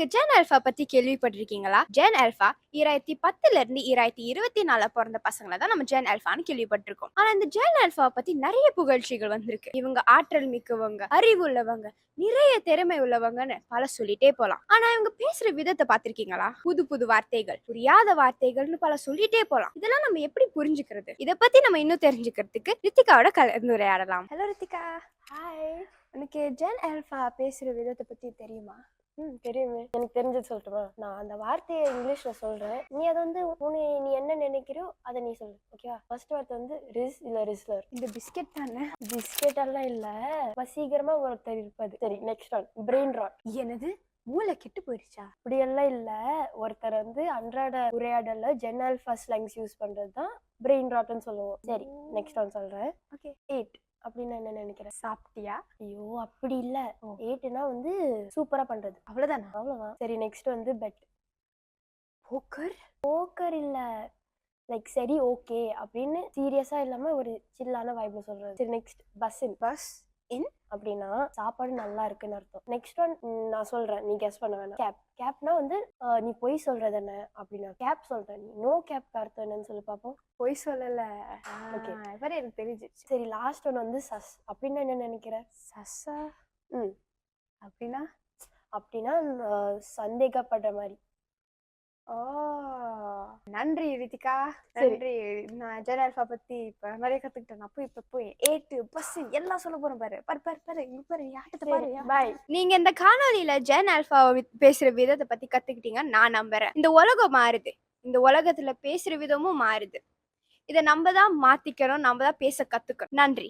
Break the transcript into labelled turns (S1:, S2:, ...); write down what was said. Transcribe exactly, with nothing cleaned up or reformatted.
S1: நீங்க gen alpha பத்தி கேள்விப்பட்டிருக்கீங்களா? ஜென் ஆல்ஃபா இரண்டாயிரத்து பத்துல இருந்து இரண்டாயிரத்து இருபத்தி நான்குல பொறந்த பசங்கள தான் நம்ம ஜென் ஆல்ஃபான்னு கேள்விப்பட்டிருக்கோம். ஆனா இந்த ஜென் ஆல்ஃபா பத்தி நிறைய புகழ்ச்சிகள் வந்திருக்கு. இவங்க ஆற்றல் மிக்கவங்க, அறிவு உள்ளவங்க, நிறைய திறமை உள்ளவங்கன்னு பல சொல்லிட்டே போலாம். ஆனா இவங்க பேசுற விதத்தை பார்த்திருக்கீங்களா? புது புது வார்த்தைகள், புரியாத வார்த்தைகள்னு பல சொல்லிட்டே போலாம். இதெல்லாம் நம்ம எப்படி புரிஞ்சுக்கிறது? இத பத்தி நம்ம இன்னும் தெரிஞ்சுக்கிறதுக்கு ரித்திகாவோட கலந்துரையாடலாம். ஹலோ ரித்திகா.
S2: ஹாய்.
S1: உனக்கு ஜென் ஆல்ஃபா பேசுற விதத்தை பத்தி தெரியுமா?
S2: ம் தெரியுமே. எனக்கு தெரிஞ்சது சொல்லட்டுமா? நான் அந்த வார்த்தையை இங்கிலீஷ்ல சொல்றேன். நீ அதை வந்து உன்னை நீ என்ன நினைக்கிறியோ அதை நீ சொல்லு. ஓகேவா? ஃபர்ஸ்ட் வார்த்தை வந்து ரிஸ் இல்ல ரிஸ்லர்.
S1: இந்த பிஸ்கெட் தானே?
S2: பிஸ்கெட் எல்லாம் இல்ல. வசீகரமா ஒருத்தர் இருப்பது. சரி, நெக்ஸ்ட் ஒன் பிரெயின் ராட்.
S1: எனது மூளை கெட்டு போயிடுச்சா?
S2: அப்படி எல்லாம் இல்ல. ஒருத்தர் வந்து அன்றாட உரையாடல ஜென் ஆல்ஃபா ஸ்லாங்ஸ் யூஸ் பண்றது தான் பிரெயின் ராட்னு சொல்லுவோம். சரி, நெக்ஸ்ட் ஒன் சொல்றேன்.
S1: ஓகே.
S2: எயிட் அப்படின்னு என்ன நினைக்கிறேன்?
S1: சாப்பிட்டியா?
S2: ஐயோ அப்படி இல்ல. எயிட்னா வந்து சூப்பரா பண்றது.
S1: அவ்வளவுதானா?
S2: அவ்வளவுதான். சரி, நெக்ஸ்ட் வந்து பெட்.
S1: போக்கர்?
S2: போக்கர் இல்ல. லைக் சரி ஓகே அப்படின்னு சீரியஸா இல்லாம ஒரு சில்லான வைப்ல சொல்றது. சரி, next bussin.
S1: Bussin
S2: அப்படின்னா சாப்பாடு நல்லா இருக்குன்னு அர்த்தம். நெக்ஸ்ட் ஒன் நான் சொல்றேன், நீ கெஸ் பண்ண வேணாம். கேப். கேப்னா வந்து நீ பொய் சொல்றது என்ன அப்படின்னா கேப் சொல்றேன். நீ நோ கேப் அர்த்தம் என்னன்னு சொல்லி பார்ப்போம்.
S1: பொய் சொல்லல.
S2: ஓகே,
S1: வேற எனக்கு தெரிஞ்சிச்சு.
S2: சரி, லாஸ்ட் ஒன் வந்து சஸ் அப்படின்னா என்ன நினைக்கிற?
S1: சஸ்ஸா?
S2: ம்
S1: அப்படின்னா
S2: அப்படின்னா சந்தேகப்படுற மாதிரி.
S1: ஓ, நன்றி ரித்திகா, நன்றி. நான் ஜென் ஆல்ஃபா பத்தி இப்ப நிறைய கத்துக்கிட்டேன். நான் போய் இப்ப போய் ஏட்டு பஸ் எல்லாம் சொல்ல போறேன். பாரு பாரு பாரு பாரு இங்க பாரு யாட்டத்தை பாரு.
S2: பாய்.
S1: நீங்க இந்த காணொலியில ஜென் ஆல்ஃபா பேசுற விதத்தை பத்தி கத்துக்கிட்டீங்கன்னு நான் நம்புறேன். இந்த உலகம் மாறுது, இந்த உலகத்துல பேசுற விதமும் மாறுது. இதை நம்ம தான் மாத்திக்கணும், நம்ம தான் பேச கத்துக்கணும். நன்றி.